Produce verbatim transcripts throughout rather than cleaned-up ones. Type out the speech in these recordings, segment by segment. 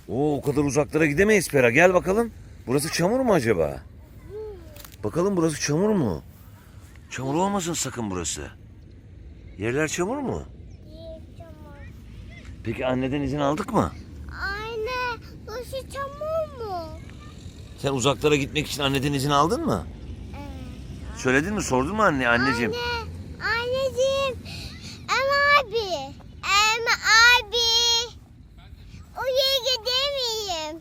Oo, o kadar uzaklara gidemeyiz Pera. Gel bakalım. Burası çamur mu acaba? Bakalım burası çamur mu? Çamur olmasın sakın burası. Yerler çamur mu? İyi çamur. Peki anneden izin aldık mı? Anne, burası çamur mu? Sen uzaklara gitmek için anneden izin aldın mı? Evet. Söyledin mi? Sordun mu anne, anneciğim? Anne, anneciğim. Em abi. Em abi. Oraya gidemeyim.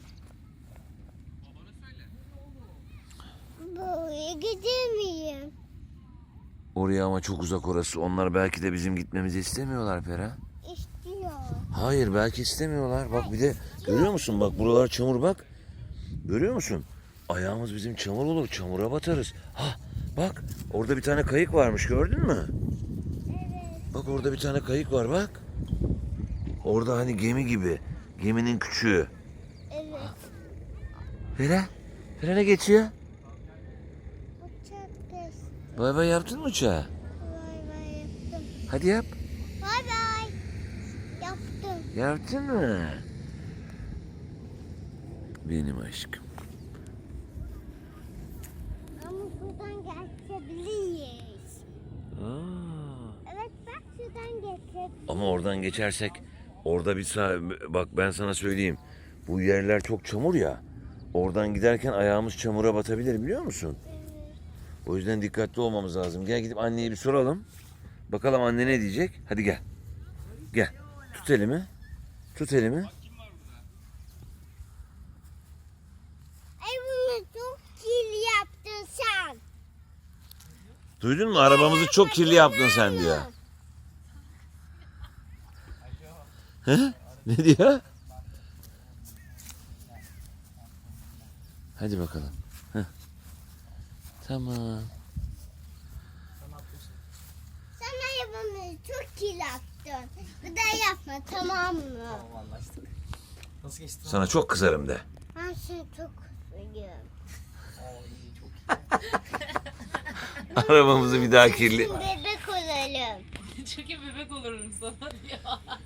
Buraya gidemeyim. Oraya ama çok uzak orası. Onlar belki de bizim gitmemizi istemiyorlar Pera. İstiyor. Hayır, belki istemiyorlar. Bak bir de görüyor musun? Bak buralar çamur bak. Görüyor musun? Ayağımız bizim çamur olur. Çamura batarız. Ha, bak orada bir tane kayık varmış, gördün mü? Evet. Bak orada bir tane kayık var bak. Orada hani gemi gibi. Geminin küçüğü. Evet. Pera, Pera ne geçiyor? Uçak geçti. Bay bay yaptın mı uçağa? Bay bay yaptım. Hadi yap. Bay bay. Yaptım. Yaptın mı? Benim aşkım. Ama buradan geçebiliriz. Aa. Evet bak şuradan geçebiliriz. Ama oradan geçersek orada bir sağ... Bak ben sana söyleyeyim. Bu yerler çok çamur ya. Oradan giderken ayağımız çamura batabilir, biliyor musun? O yüzden dikkatli olmamız lazım. Gel gidip anneye bir soralım. Bakalım anne ne diyecek. Hadi gel. Gel. Tut elimi. Tut elimi. Ay bunu çok kirli yaptın sen. Duydun mu? Arabamızı çok kirli yaptın sen diyor. He? Ne diyor? Hadi bakalım. Heh. Tamam. Sen arabamı çok kirli yaptın. Bir daha yapma tamam mı? Tamam, anlaştık. Nasıl geçti? Sana çok kızarım de. Ben seni çok seviyorum. Oo, iyi, çok iyi. Arabamızı bir daha kirli... Bebek olalım. Çünkü bebek olurum sana diyor.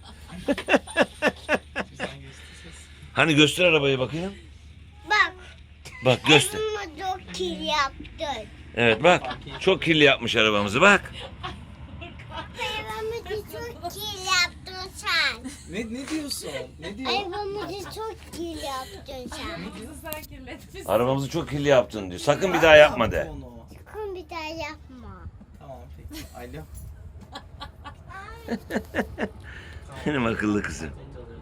Güzel geçti ses. Hani göster arabayı bakayım. Bak. Bak göster. Arabamı çok kirli yaptın. Evet bak. Çok kirli yapmış arabamızı bak. Arabamı çok kirli yaptın sen. Ne, ne diyorsun? Ne diyor? Arabamı çok kirli yaptın sen. Bizi sen kirletmişsin. Arabamızı çok kirli yaptın diyor. Sakın bir daha yapma de. Onu. Sakın bir daha yapma. Tamam peki. Alo. Benim akıllı kızım. Önce alıyorum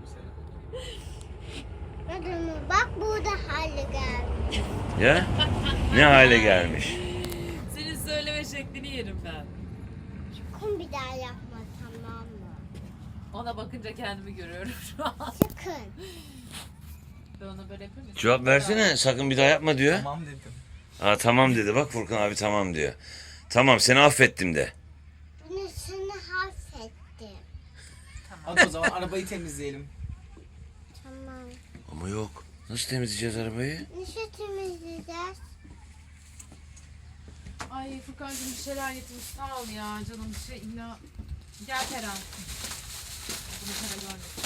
seni. Adamı bak burada hale geldi. Ya? Ne hale gelmiş? Senin söyleme şeklini yerim ben. Sakın bir daha yapma tamam mı? Ona bakınca kendimi görüyorum şu an. Sakın. Ben ona böyle yapayım mı? Cevap versene. Sakın bir daha yapma diyor. Tamam dedim. Aa, tamam dedi. Bak Furkan abi tamam diyor. Tamam, seni affettim de. Bunu sana affettim. Hadi o zaman arabayı temizleyelim. Tamam. Ama yok. Nasıl temizleyeceğiz arabayı? Nasıl temizleyeceğiz? Ay Furkan'cığım bir şeyler getirmiş. Sağ ol ya canım bir şey illa. Gel Peren. Bunu Peren görmesin.